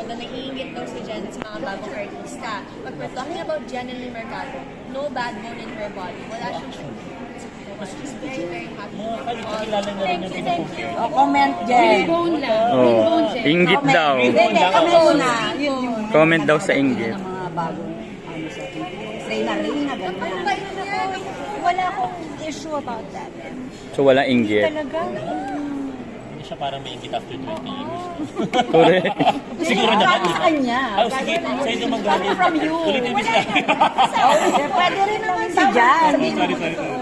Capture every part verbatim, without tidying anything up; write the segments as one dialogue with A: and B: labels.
A: na naiingit daw si Jen sa mga bagong artista. But we're talking about Jenny Mercado. No bad bone in her body. Wala siyang She's very, very happy.
B: Kakilala na rin yung pinupost.
C: Oh, comment, Jen.
A: Bone lang.
D: Oh,
A: Bone, Jen.
D: inggit daw.
C: Hindi, hindi, comment muna. Yun yung
D: Comment daw sa inggit.
C: ng mga bagong, ano sa Reyna, Reyna,
A: Ano
C: ganyan.
A: ba yun yan?
E: Wala akong issue about that.
D: So walang inggit.
E: Talaga, mm,
B: Hindi siya parang may ingit after twenty years.
D: Correct.
B: Siguro
C: Galing
B: naman.
C: sa kanya.
B: Oh, sige. Sa'yo naman galing.
C: Coming from you.
B: Ulitin mo siya.
C: Oh, pwede rin naman si Jan.
B: Sorry, sorry, sorry.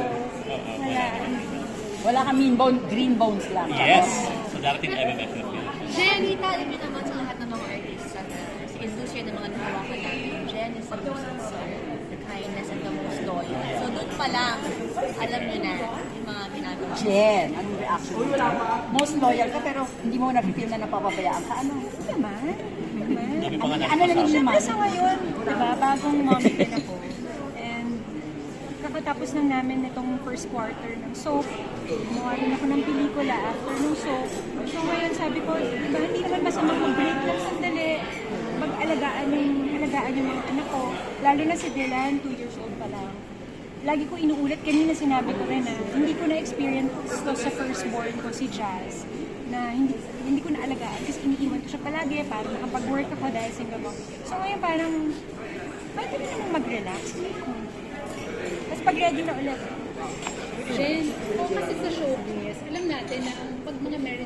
C: Wala ka mean bone, green bones lang.
B: Yes. So darating M M F na film.
A: Jen, alam niyo naman sa lahat ng mga artista na si industry ng mga nahawakan natin, Jen is the most sincere, the kindness, and the most loyal. So doon pa lang, alam niyo na yung mga ginagawa.
C: Jen, anong reaction mo? Most loyal ka pero hindi mo na-feel na napapabayaan ka. Ano?
E: hindi naman. Hindi naman.
B: Dami pa nga
C: Ano lang yung
E: Siyempre
C: naman?
E: sa ngayon, diba, bagong mommy din ako. And kakatapos lang namin itong first quarter ng soap. Gumawa rin ako ng pelikula after ng soap. So ngayon sabi ko, diba, hindi naman masama mag-break lang sandali. Mag-alagaan yung, alagaan yung mga anak ko. Lalo na si Dylan, two years old pa lang. Lagi ko inuulit, kanina sinabi ko rin na hindi ko na-experience to sa firstborn ko, si Jazz, na hindi hindi ko naalagaan kasi iniiwan ko siya palagi para makapag-work ako dahil single mom. So ngayon parang, pwede rin naman mag-relax. Tapos pag ready na ulit,
F: Jen, kung kasi sa showbiz, alam natin na ang pag mga married